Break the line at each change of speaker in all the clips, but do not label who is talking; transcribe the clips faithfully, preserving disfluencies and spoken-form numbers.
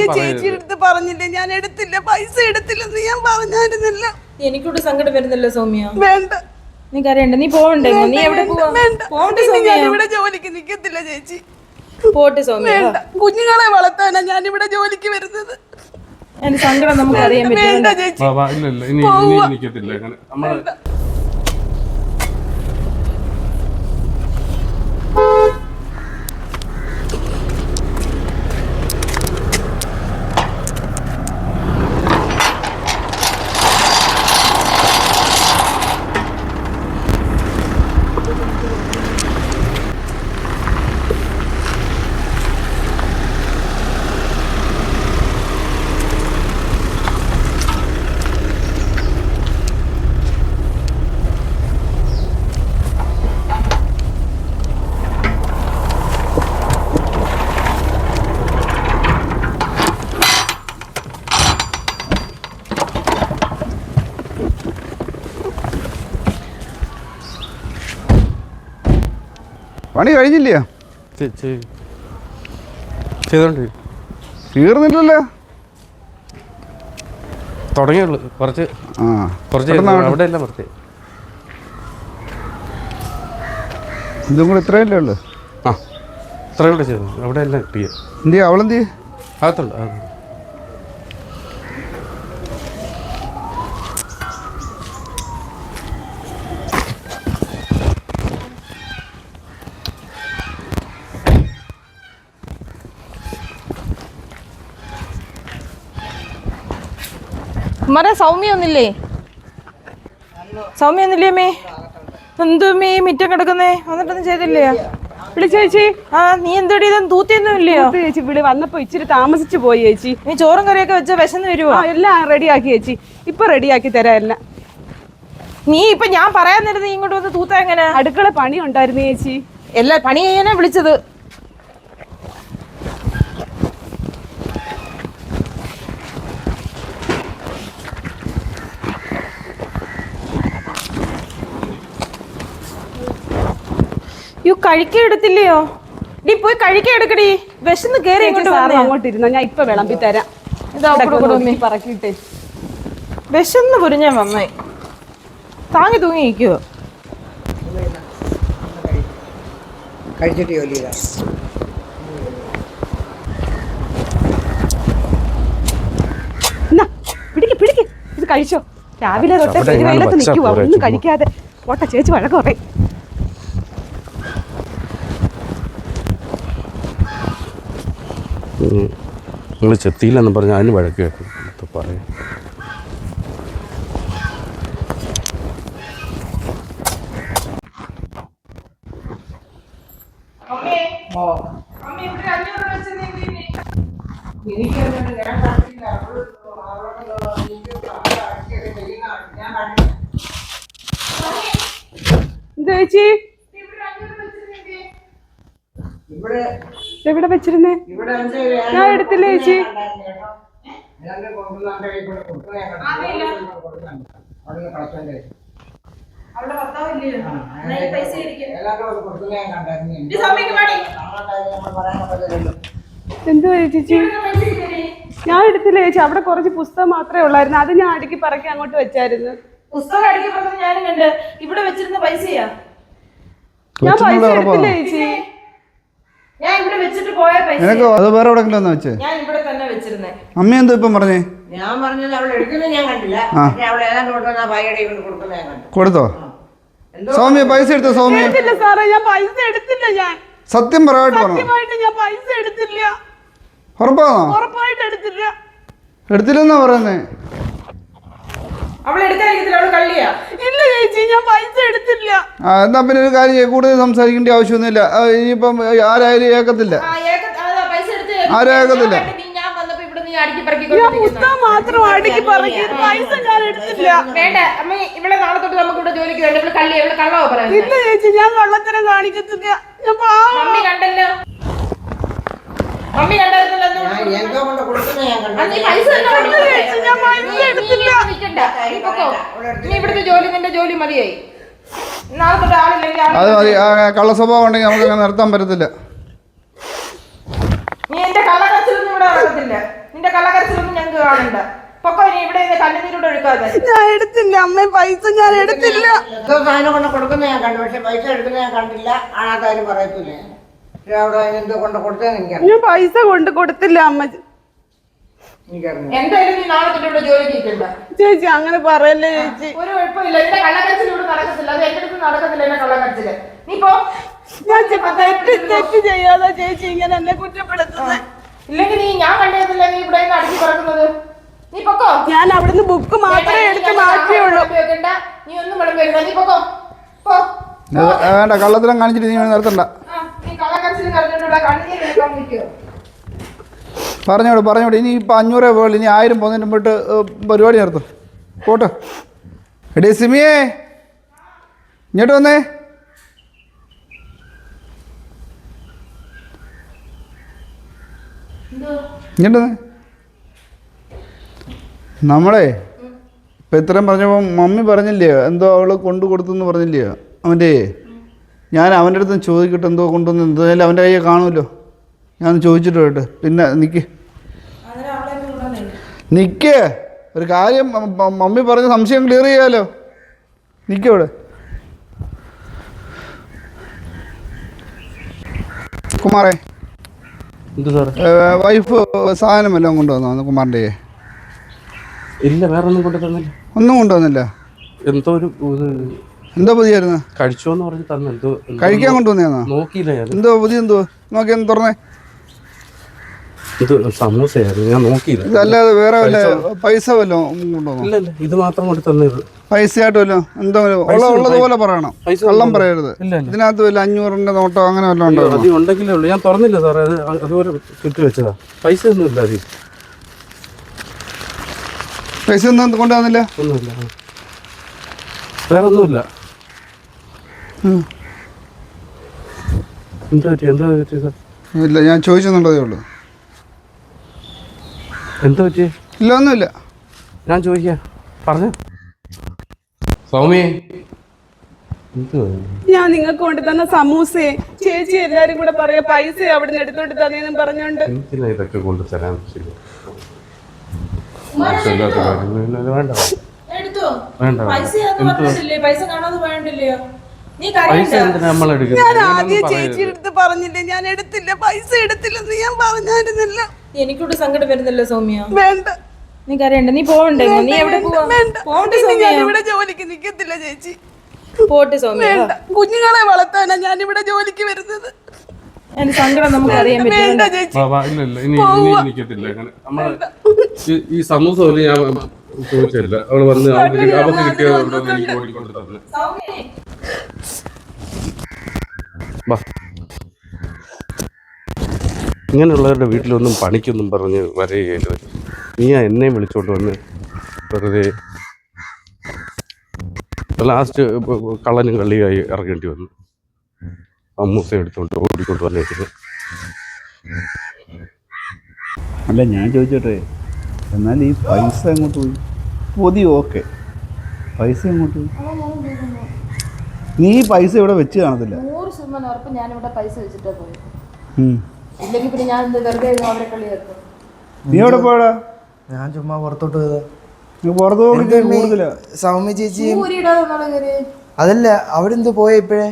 ചേച്ചിയുടെ അടുത്ത് പറഞ്ഞില്ലേ ഞാൻ എടുത്തില്ല, പൈസ എടുത്തില്ലെന്ന് ഞാൻ പറഞ്ഞായിരുന്നില്ല.
എനിക്കൂടെ സങ്കടം വരുന്നല്ലോ സൗമ്യ.
വേണ്ട,
നീ കരയണ്ട, നീ പോവണ്ടേ? നീ എവിടെ പോവണ്ടേ സൗമ്യ?
ഞാൻ ഇവിടെ ജോലിക്ക് നിൽക്കത്തില്ല ചേച്ചി.
പോട്ടെ സൗമ്യ,
കുഞ്ഞുങ്ങളെ വളർത്താനാ ഞാൻ ഇവിടെ ജോലിക്ക് വരുന്നത്.
എന്റെ സങ്കടം നമുക്ക് അറിയാൻ പറ്റില്ല
ചേച്ചി.
പണി കഴിഞ്ഞില്ലയോ?
ചെയ്തോണ്ട്
തീർന്നില്ലല്ലോ.
തുടങ്ങിയുള്ളു, കുറച്ച്
ആ
കുറച്ച് അവിടെ എല്ലാം കുറച്ച്
ഇതും കൂടെ ഇത്രയല്ലേ ഉള്ളു?
ആ ഇത്രയും കൂടെ ചെയ്തു, അവിടെ എല്ലാം കിട്ടിയ.
എന്തിയാ അവളെന്തി?
അകത്തുള്ളു.
മര സൗമ്യ ഒന്നില്ലേ? സൗമ്യ ഒന്നില്ലേ മേ? എന്തുമേ മിറ്റം കിടക്കുന്നേ? വന്നിട്ടൊന്നും ചെയ്തില്ലേ?
ചേച്ചി,
ആ നീ എന്തോടി ഇതൊന്നും തൂത്തിയൊന്നും ഇല്ലയോ?
ചേച്ചി വിളി വന്നപ്പോ ഇച്ചിരി താമസിച്ചു പോയി ചേച്ചി.
നീ ചോറും കറിയൊക്കെ വെച്ച വിശന്ന് വരുവോ?
എല്ലാം റെഡിയാക്കി ചേച്ചി, ഇപ്പൊ റെഡിയാക്കി തരാം എല്ലാം.
നീ ഇപ്പൊ ഞാൻ പറയാൻ നേരം നീ ഇങ്ങോട്ട് വന്ന് തൂത്ത എങ്ങനെ?
അടുക്കള പണി ഉണ്ടായിരുന്നു ചേച്ചി.
എല്ലാ പണി ചെയ്യാനാ വിളിച്ചത്. യു കഴിക്കാൻ എടുത്തില്ലയോ? നീ പോയി കഴിക്കാൻ എടുക്കടി, വിശന്ന് കേറി
അങ്ങോട്ട് ഇരുന്നോ, ഞാൻ ഇപ്പൊ വിളമ്പി തരാം. പറക്കിട്ടെ
വിശന്ന് പൊരിഞ്ഞാൻ വന്നേ. താങ്ങി തൂങ്ങി നിൽക്കുവോ?
കഴിച്ചിട്ട് ജോലി ചെയ്താ
പിടിക്ക് പിടിക്ക്, ഇത് കഴിച്ചോ. രാവിലെ തൊട്ടേ പെരുവെയിലത്ത് നിൽക്കുവാ, ഒന്നും കഴിക്കാതെ. ഓട്ട ചേച്ചി വഴക്ക് പറയും.
നിങ്ങൾ ചെത്തിയില്ലെന്ന് പറഞ്ഞാൽ അതിന് വഴക്ക് കേട്ടു പറയും.
ചേച്ചി എവിടെ വെച്ചിരുന്നേ? ഞാൻ എടുത്തില്ല ചേച്ചി. എന്തുവാ ചേച്ചി? ഞാൻ എടുത്തില്ല ചേച്ചി, അവിടെ കുറച്ച് പുസ്തകം മാത്രമേ ഉള്ളായിരുന്നു, അത് ഞാൻ അടുക്കി പറക്കി അങ്ങോട്ട് വെച്ചായിരുന്നു.
പുസ്തകം അടുക്കി പറഞ്ഞത് ഞാനും കണ്ട്. ഇവിടെ വെച്ചിരുന്ന പൈസയാ.
ഞാൻ പൈസ എടുത്തില്ല ചേച്ചി.
ഞാൻ ഇവിടെ വെച്ചിട്ട് പോയ പൈസ
അത് വേറെ എവിടെയെങ്കിലും വെച്ചേ?
ഞാൻ ഇവിടെ തന്നെ വെച്ചിരുന്നേ.
അമ്മ എന്തോ ഇപ്പം പറഞ്ഞേ?
ഞാൻ പറഞ്ഞത് അവൾ എടുക്കുന്നത് ഞാൻ കണ്ടില്ല. അവൾ ഏതാണ്ട് കൊടുക്കുന്ന ഭാര്യയുടെ കൊണ്ട് കൊടുക്കുന്നത് ഞാൻ കണ്ടു.
കൊടുത്തോ? സൗമ്യ പൈസ എടുത്തോ? സൗമ്യ
എടുത്തില്ല സാറേ, ഞാൻ പൈസ എടുത്തില്ല. ഞാൻ
സത്യം പറയായിട്ട് പറഞ്ഞു.
ഞാൻ പൈസ എടുത്തില്ല.
ഉറപ്പാണോ?
ഉറപ്പായിട്ട് എടുത്തില്ല.
എടുത്തില്ലെന്നാ പറയുന്നേ.
അവൾ എടുക്കാതിരിക്കത്തില്ല, അവള് കള്ളിയാ.
ഇല്ല ചേച്ചി, ഞാൻ പൈസ എടുത്തില്ല.
ആ എന്നാ പിന്നെ ഒരു കാര്യം കൂടുതൽ സംസാരിക്കേണ്ട ആവശ്യമൊന്നുമില്ല. ഇനിയിപ്പം ആരായാലും ഏക്കത്തില്ല, ആരും ഏക്കത്തില്ല.
ഞാൻ പുസ്തകം മാത്രം അടുക്കി പറക്കി, പൈസ ഞാൻ എടുത്തില്ല.
വേണ്ട അമ്മ, ഇവിടെ നാളെ തൊട്ട് നമുക്ക് ഇവിടെ ജോലിക്ക് വേണ്ട. ഇവിടെ കള്ളി, ഇവിടെ കള്ളവോ പറയാം.
ഇല്ല ചേച്ചി, ഞാൻ കള്ളത്തരം കാണിക്കത്തില്ല.
മമ്മി കണ്ടല്ലോ, മമ്മി കണ്ടായിരുന്നല്ലോ.
എന്തോ കൊണ്ട് കൊടുക്കുന്നത് ഞാൻ കണ്ടു.
ഇവിടുത്തെ ജോലി നിന്റെ ജോലി മതിയായി. നാളെ തൊട്ട് ആളില്ലെങ്കിൽ
അത് മതി. കള്ള സ്വഭാവം ഉണ്ടെങ്കിൽ നമുക്ക് അങ്ങനെ നിർത്താൻ പറ്റത്തില്ല.
നീ എന്റെ കള്ളക്കച്ചിലൊന്നും ഇവിടെ നടക്കത്തില്ല. നിന്റെ കള്ളക്കരച്ചിലൊന്നും ഞങ്ങൾക്ക് കാണണ്ട. പൊക്കോ ഇനി ഇവിടെ കണ്ണുനീരോട് ഒഴുക്കാതെ.
ഞാൻ എടുത്തില്ല അമ്മ, പൈസ ഞാൻ എടുത്തില്ല.
എന്തോ സാധനം കൊണ്ട് കൊടുക്കുന്ന ഞാൻ കണ്ടു, പക്ഷെ പൈസ എടുക്കുന്ന ഞാൻ കണ്ടില്ല. ആണാത്താരും പറയത്തില്ല. അവിടെ എന്തോ കൊണ്ട് കൊടുത്തതെന്ന് എനിക്കറിയാം.
ഞാൻ പൈസ കൊണ്ട് കൊടുത്തില്ല അമ്മ.
എനിക്കറിയാം.
എന്തായാലും നീ നാളെ തൊട്ട് ഇവിടെ ജോലി ചെയ്തിട്ടുണ്ട്.
ചേച്ചി അങ്ങനെ പറയല്ലേ ചേച്ചി.
ഒരു കുഴപ്പമില്ല, എന്റെ കള്ളക്കരച്ചിൽ ഇവിടെ നടക്കത്തില്ല. അത് എന്റെ അടുത്ത് നടക്കത്തില്ല എന്റെ കള്ളക്കരച്ചില്. നീ പോ.
ഞാൻ തെറ്റ് തെറ്റ് ചെയ്യാതെ ചേച്ചി ഇങ്ങനെ എന്നെ കുറ്റപ്പെടുത്തുന്നത്.
ഇല്ലെങ്കിൽ നീ ഞാൻ കണ്ടതില്ല നീ ഇവിടെ നിന്ന് അടിച്ചു പറക്കുന്നത്. നീ പൊക്കോ.
ഞാൻ അവിടുന്ന് ബുക്ക് മാത്രമേ എടുത്ത് മാറ്റിയുള്ളൂ.
നീ ഒന്നും വിളമ്പ് വെക്കണ്ട. നീ പൊക്കോ. പോ.
വേണ്ട, കള്ളത്തിലും കാണിച്ചിട്ട് നീ നിർത്തണ്ട.
നീ കള്ളക്കരച്ചിലും കറഞ്ഞിട്ടുള്ള കണ്ണീര് വെക്കാൻ നിൽക്കുവോ?
പറഞ്ഞോട് പറഞ്ഞോട് ഇനി ഇപ്പം അഞ്ഞൂറേ പോയുള്ളൂ. ഇനി ആയിരം പോകുന്നതിന് മുമ്പിട്ട് പരിപാടി നിർത്തും. പോട്ടെ. എടേ സിമിയേ, ഇങ്ങോട്ട് വന്നേ. ഇങ്ങോട്ട് വന്നേ. നമ്മളെ ഇപ്പം ഇത്രയും പറഞ്ഞപ്പോൾ മമ്മി പറഞ്ഞില്ലയോ എന്തോ അവൾ കൊണ്ടു കൊടുത്തെന്ന് പറഞ്ഞില്ലയോ അവൻ്റെ? ഞാൻ അവൻ്റെ അടുത്ത് ചോദിക്കട്ടെ എന്തോ കൊണ്ടുവന്ന്. എന്തായാലും അവൻ്റെ കയ്യെ കാണുമല്ലോ. ഞാൻ ചോദിച്ചിട്ട് പോയിട്ട്. പിന്നെ നിൽക്ക് നിൽക്ക് ഒരു കാര്യം മമ്മി പറഞ്ഞ സംശയം ക്ലിയർ ചെയ്യാമല്ലോ. നിൽക്കവിടെ. കുമാറേ,
എന്ത് സാറേ?
വൈഫ് സാധനം വല്ലതും കൊണ്ടുവന്നോ കുമാറിൻ്റെ?
ഇല്ല, വേറെ ഒന്നും കൊണ്ടു തന്നില്ല.
ഒന്നും കൊണ്ടുവന്നില്ല.
എന്തോ ഒരു
എന്തോ പുതിയായിരുന്നു?
കഴിച്ചോന്ന് പറഞ്ഞ് തന്നെ. എന്തോ
കഴിക്കാൻ കൊണ്ടുവന്നേന്നോ?
നോക്കിയില്ല ഞാൻ.
എന്തോ പുതിയ എന്തോ നോക്കി ഒന്ന് തുറന്നേ.
ഇത് സമൂസയായിരുന്നു, ഞാൻ നോക്കിയില്ല.
ഇതല്ലാതെ വേറെ വല്ല പൈസ വല്ലതും കൊണ്ടുവന്നോ?
ഇല്ല ഇല്ല, ഇത് മാത്രം കൊണ്ട് തന്നത്.
പൈസയായിട്ട് വല്ലോ എന്തോ ഉള്ള ഉള്ളതുപോലെ പറയണം, കള്ളം പറയരുത്. ഇതിനകത്ത് വല്ല അഞ്ഞൂറിന്റെ നോട്ടോ അങ്ങനെ വല്ലതും ഉണ്ടോ?
അത് ഉണ്ടെങ്കിലേ ഉള്ളൂ. ഞാൻ തുറന്നില്ല സാറേ, അത് അതുപോലെ ചുറ്റി വെച്ചതാ. പൈസ ഒന്നും ഇല്ല. അത്
പൈസ ഒന്നും കൊണ്ടുവന്നില്ല?
ഒന്നുമില്ല, വേറെ ഒന്നുമില്ല. എന്താ പറ്റി എന്താ പറ്റി സാർ?
ഇല്ല, ഞാൻ ചോദിച്ചെന്നുള്ളതേ ഉള്ളൂ.
എന്താ പറ്റി?
ഇല്ല, ഒന്നുമില്ല.
ഞാൻ ചോദിക്കാം, പറഞ്ഞു. സൗമ്യ,
ഞാൻ നിങ്ങൾക്ക് കൊണ്ട് തന്ന സമൂസയെ ചേച്ചി എല്ലാരും കൂടെ പറയാ പൈസ അവിടെ നിന്ന് എടുത്തോട്ട് തന്നെയെന്നും പറഞ്ഞോണ്ട്
എന്തിനാ ഇതൊക്കെ കൊണ്ട് തരാൻ? വേണ്ട
എടുത്തോ.
വേണ്ട,
പൈസ പൈസ കാണാതെ വേണ്ടില്ലയോ? നീ
പൈസ എന്തിനാ നമ്മൾ
ഞാൻ
എടുക്കുന്നത്?
ആദ്യം ചേച്ചിയുടെ അടുത്ത് പറഞ്ഞില്ലേ ഞാൻ എടുത്തില്ല, പൈസ എടുത്തില്ലെന്ന് ഞാൻ പറഞ്ഞായിരുന്നില്ല.
എനിക്കൂടെ സങ്കടം വരുന്നല്ലോ സൗമ്യ.
വേണ്ട,
നീ കരയണ്ട. നീ പോവണ്ടേ? നീ എവിടെ പോവാ? പോട്ടെ സൗമ്യ.
ഞാൻ ഇവിടെ ജോലിക്ക് നിക്കത്തില്ല ചേച്ചി.
പോട്ടെ സൗമ്യ.
വേണ്ട, കുഞ്ഞുങ്ങളെ വളർത്താനാ ഞാൻ ഇവിടെ ജോലിക്ക് വരുന്നത്.
എന്റെ സങ്കടം നമുക്ക് അറിയാൻ
വേണ്ട
പറ്റും.
ചേച്ചി,
ഇല്ല ഇല്ല, ഇനി ഇനി എനിക്കത്തില്ല. അങ്ങനെ നമ്മള് ഈ സമൂസ പോലും ഞാൻ ചോദിച്ചില്ല. അവള് വന്ന് അവർക്ക് അവർക്ക് കിട്ടിയതുകൊണ്ടൊന്നും എനിക്ക് ഓടിക്കൊണ്ട് തന്നെ. ഇങ്ങനെയുള്ളവരുടെ വീട്ടിലൊന്നും പണിക്കൊന്നും പറഞ്ഞ് വരികയില്ല. നീ എന്നെയും വിളിച്ചോണ്ട് വന്ന് വെറുതെ ലാസ്റ്റ് കള്ളനും കള്ളിയായി ഇറങ്ങേണ്ടി വന്നു. അമ്മൂസ എടുത്തോണ്ട് ഓടിക്കൊണ്ട് വന്നേക്കുന്നത്.
അല്ല, ഞാൻ ചോദിച്ചോട്ടെ, എന്നാൽ ഈ പൈസ എങ്ങോട്ട് പോയി? പൊതി ഓക്കെ, പൈസ എങ്ങോട്ട് പോയി? നീ പൈസ ഇവിടെ വെച്ച് കാണത്തില്ല.
നൂറ് ശതമാനം ഉറപ്പ് ഞാനിവിടെ പൈസ വെച്ചിട്ടാ പോയി. ഇല്ലെങ്കിൽ പിന്നെ ഞാൻ വെറുതെ അവരെ കളിയാക്കും.
നീ എവിടെ പോയടാ?
ഞാൻ ചുമ്മാ പുറത്തോട്ട് പോയതാ.
നീ പുറത്ത് പോയിട്ട് കൂടുതലാ.
സൗമ്യ ചേച്ചി
ഊരിടാതെ
അതല്ല, അവിടെ എന്തോ പോയ ഇപ്പഴേ?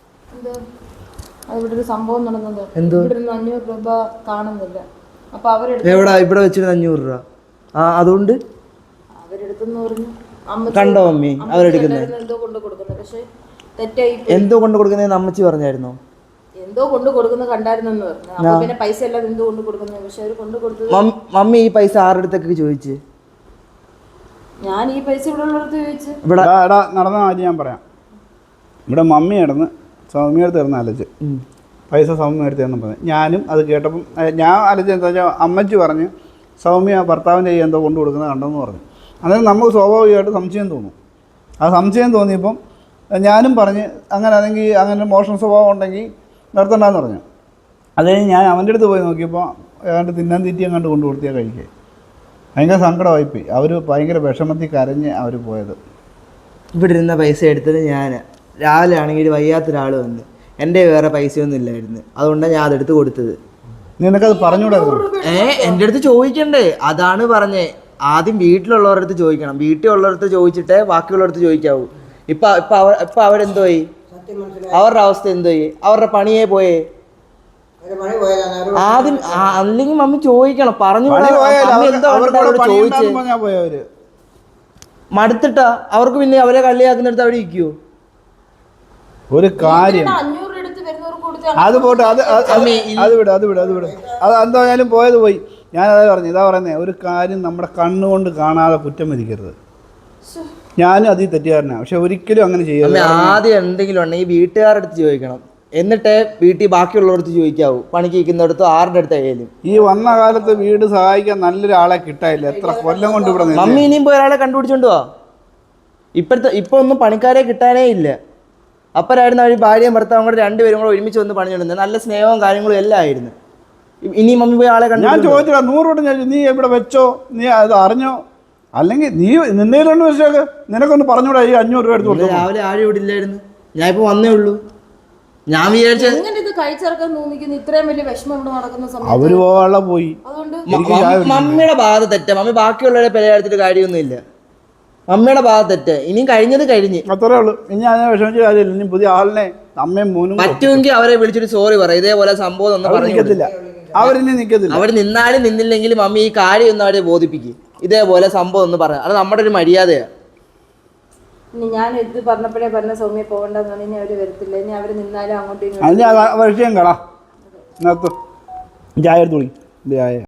ഇവിടെ ഒരു സംഭവം നടന്നത്.
എന്തോ
ഇവിടെ നിന്ന് അഞ്ഞൂറ് രൂപ കാണുന്നില്ല. അപ്പൊ അവരെടുത്ത്
എവിടാ ഇവിടെ വെച്ചിരുന്ന അഞ്ഞൂറ് രൂപ? ആ, അതുകൊണ്ട്
അവരെടുത്തെന്ന് പറഞ്ഞു. അമ്മ
കണ്ടോ മമ്മി അവരെടുക്കുന്നത്?
എന്തോ കൊണ്ട് കൊടുക്കുന്നത്, പക്ഷെ തെറ്റായി.
എന്തോ കൊണ്ട് കൊടുക്കുന്നതെന്ന് അമ്മച്ചി പറഞ്ഞായിരുന്നോ?
എന്തോ കൊണ്ട് കൊടുക്കുന്നത് കണ്ടായിരുന്നെന്ന് പറഞ്ഞു. അപ്പൊ പിന്നെ പൈസ അല്ലാതെ എന്തോ കൊണ്ട് കൊടുക്കുന്നത്, പക്ഷെ അവര് കൊണ്ട് കൊടുത്തത്.
മമ്മി ഈ പൈസ ആരുടെ അടുത്തൊക്കെ ചോദിച്ചു?
ഞാൻ ഈ പൈസ ഇവിടെ ഉള്ളടത്ത് ചോദിച്ചു.
ഇവിടെ നടന്ന കാര്യം ഞാൻ പറയാം. ഇവിടെ മമ്മി കിടന്ന് സൗമ്യ അടുത്ത് കിടന്ന് അലച്ച് പൈസ സൗമ്യ എടുത്ത് തരണം പറഞ്ഞു. ഞാനും അത് കേട്ടപ്പം ഞാൻ അലച്ച് എന്താ വെച്ചാൽ അമ്മച്ചി പറഞ്ഞ് സൗമ്യ ഭർത്താവിൻ്റെ കയ്യിൽ എന്തോ കൊണ്ടു കൊടുക്കുന്നത് കണ്ടെന്ന് പറഞ്ഞു. അതായത് നമുക്ക് സ്വാഭാവികമായിട്ട് സംശയം തോന്നും. ആ സംശയം തോന്നിയപ്പം ഞാനും പറഞ്ഞ് അങ്ങനെ അല്ലെങ്കിൽ അങ്ങനെ മോഷണ സ്വഭാവം ഉണ്ടെങ്കിൽ നിർത്തണ്ടെന്ന് പറഞ്ഞു. അത് കഴിഞ്ഞ് ഞാൻ അവൻ്റെ അടുത്ത് പോയി നോക്കിയപ്പോൾ ഏതാണ്ട് തിന്നാൻ തീറ്റി അങ്ങോട്ട് കൊണ്ടു കൊടുത്തിയാൽ കഴിക്കുക. ഭയങ്കര സങ്കടമായിപ്പോയി. അവർ ഭയങ്കര വിഷമത്തിൽ കരഞ്ഞ് അവർ പോയത്.
ഇവിടെ ഇരുന്ന പൈസ എടുത്തത് ഞാൻ. രാവിലെ ആണെങ്കിൽ വയ്യാത്തൊരാൾ വന്ന് എൻ്റെ വേറെ പൈസയൊന്നും ഇല്ലായിരുന്നു, അതുകൊണ്ടാണ് ഞാൻ അതെടുത്ത് കൊടുത്തത്.
നിനക്കത് പറഞ്ഞുകൂടായിരുന്നു?
ഏ എൻ്റെ അടുത്ത് ചോദിക്കണ്ടേ? അതാണ് പറഞ്ഞേ. ആദ്യം വീട്ടിലുള്ളവരുടെ അടുത്ത് ചോദിക്കണം. വീട്ടിലുള്ളവരുടെ ചോദിച്ചിട്ടേ ബാക്കിയുള്ളവരുടെ ചോദിക്കാവൂ. ഇപ്പൊ ഇപ്പൊ അവർ ഇപ്പൊ അവരെന്തോയി? അവരുടെ അവസ്ഥ എന്തോയി? അവരുടെ പണിയെ പോയേ.
ഒരു പണി പോയതാണ് അവര്
ആദ്യം ആ- അല്ലെങ്കിൽ മമ്മി ചോദിക്കണം. പറഞ്ഞു
പണി പോയാൽ
മമ്മി എന്തോ
അവർക്ക്
അവരോട്
പണി
ചോദിച്ചേ.
ഉണ്ടാകും പറഞ്ഞാ പോയവര്.
മടുത്തിട്ടാ അവർക്ക് പിന്നെ അവരെ കളിയാക്കുന്നിടത്ത് അവിടെ ഇരിക്കുവോ?
ഒരു കാര്യം
അഞ്ഞൂറ് എടുത്ത് വരുന്നവർക്ക് കൊടുത്ത്
അത് പോട്ടെ, അത് അത് അത് അത് വിട് അത് വിട് അത് വിട് അത് എന്തായാലും പോയത് പോയി. ഞാൻ അതാ പറഞ്ഞു, ഇതാ പറയുന്നേ, ഒരു കാര്യം നമ്മുടെ കണ്ണുകൊണ്ട് കാണാതെ കുറ്റം വിധിക്കരുത്. ഞാനും അതിൽ തെറ്റുകാരനാണ്, പക്ഷെ ഒരിക്കലും അങ്ങനെ ചെയ്യരുത്.
അമ്മ ആദ്യം എന്തെങ്കിലും ഉണ്ടെങ്കിൽ വീട്ടുകാരുടെ അടുത്ത് ചോദിക്കണം. എന്നിട്ടേ വീട്ടിൽ ബാക്കിയുള്ളവർക്ക് ചോദിക്കാവൂ. പണിക്ക് നിൽക്കുന്നിടത്ത് ആരുടെ അടുത്ത് ആയാലും.
ഈ വന്ന കാലത്ത് വീട് സഹായിക്കാൻ നല്ലൊരാളെ കിട്ടാനില്ല. എത്ര കൊല്ലം കൊണ്ട് ഇവിടെ നിന്ന്.
മമ്മി ഇനിയും പോയി ഒരാളെ കണ്ടുപിടിച്ചോണ്ട് പോവാ. ഇപ്പോഴത്തെ ഇപ്പൊ ഒന്നും പണിക്കാരെ കിട്ടാനേ ഇല്ല. അപ്പരായിരുന്നു അവർ ഭാര്യയും ഭർത്താവും കൂടെ രണ്ടുപേരും കൂടെ ഒരുമിച്ച് വന്ന് പണിഞ്ഞിടുന്നത്. നല്ല സ്നേഹവും കാര്യങ്ങളും എല്ലാം ആയിരുന്നു. ഇനി മമ്മി പോയി ആളെ കണ്ടു.
ഞാൻ ചോദിച്ചില്ല, നൂറ് വട്ടം ചോദിച്ചു, നീ എവിടെ വെച്ചോ, നീ അത് അറിഞ്ഞോ, അല്ലെങ്കിൽ നീ നിന്നേലുണ്ട് വെച്ചോക്ക്, നിനക്കൊന്ന് പറഞ്ഞൂടാ ഈ അഞ്ഞൂറ് രൂപ എടുത്ത് കൊടുത്തു.
രാവിലെ ആരും ഇവിടെ ഇല്ലായിരുന്നു. ഞാൻ ഇപ്പൊ വന്നേ ഉള്ളൂ. ഞാൻ വിചാരിച്ച
എങ്ങനെ ഇത് കഴിച്ചിറക്കാൻ തോന്നിക്കുന്നു? ഇത്രയും വലിയ വിഷമം ഇവിടെ നടക്കുന്ന സമയത്ത്
അവര് പോവാനുള്ള പോയി.
അതുകൊണ്ട്
എനിക്ക് ചായ കുടിക്കണം.
മമ്മിയുടെ ഭാഗത്ത് തെറ്റ. മമ്മി ബാക്കിയുള്ളവരെ പെരയെടുത്തിട്ട് കാര്യമൊന്നുമില്ല. മമ്മിയുടെ ഭാഗത്ത് തെറ്റ്. ഇനിയും കഴിഞ്ഞത് കഴിഞ്ഞ്.
അത്രേ ഉള്ളൂ. ഇനി അതിനെ വിഷമിച്ച കാര്യമില്ല. ഇനി പുതിയ ആളിനെ അമ്മയും മോനും
പറ്റുമെങ്കിൽ അവരെ വിളിച്ചിട്ട് സോറി പറ. ഇതേപോലെ സംഭവം ഒന്നും
അവർ
പറഞ്ഞു
നിൽക്കത്തില്ല. അവരിനി നിൽക്കത്തില്ല.
അവർ നിന്നാലും നിന്നില്ലെങ്കിലും മമ്മി ഈ കാര്യം ഒന്ന് അവരെ ബോധിപ്പിക്കും. ഇതേപോലെ സംഭവം ഒന്ന് പറയാം. അത് നമ്മുടെ ഒരു മര്യാദയാണ്.
ഇനി ഞാൻ ഇത് പറഞ്ഞപ്പോഴേ പറഞ്ഞ സൗമ്യ പോകണ്ടെന്ന് പറഞ്ഞാൽ ഇനി അവര് വരത്തില്ല. ഇനി അവര് നിന്നാലും അങ്ങോട്ടും ഇങ്ങോട്ടും
അതിന് വിഷയം കളാ. നിർത്തും ചായ എടുത്ത് കുടി ചായ.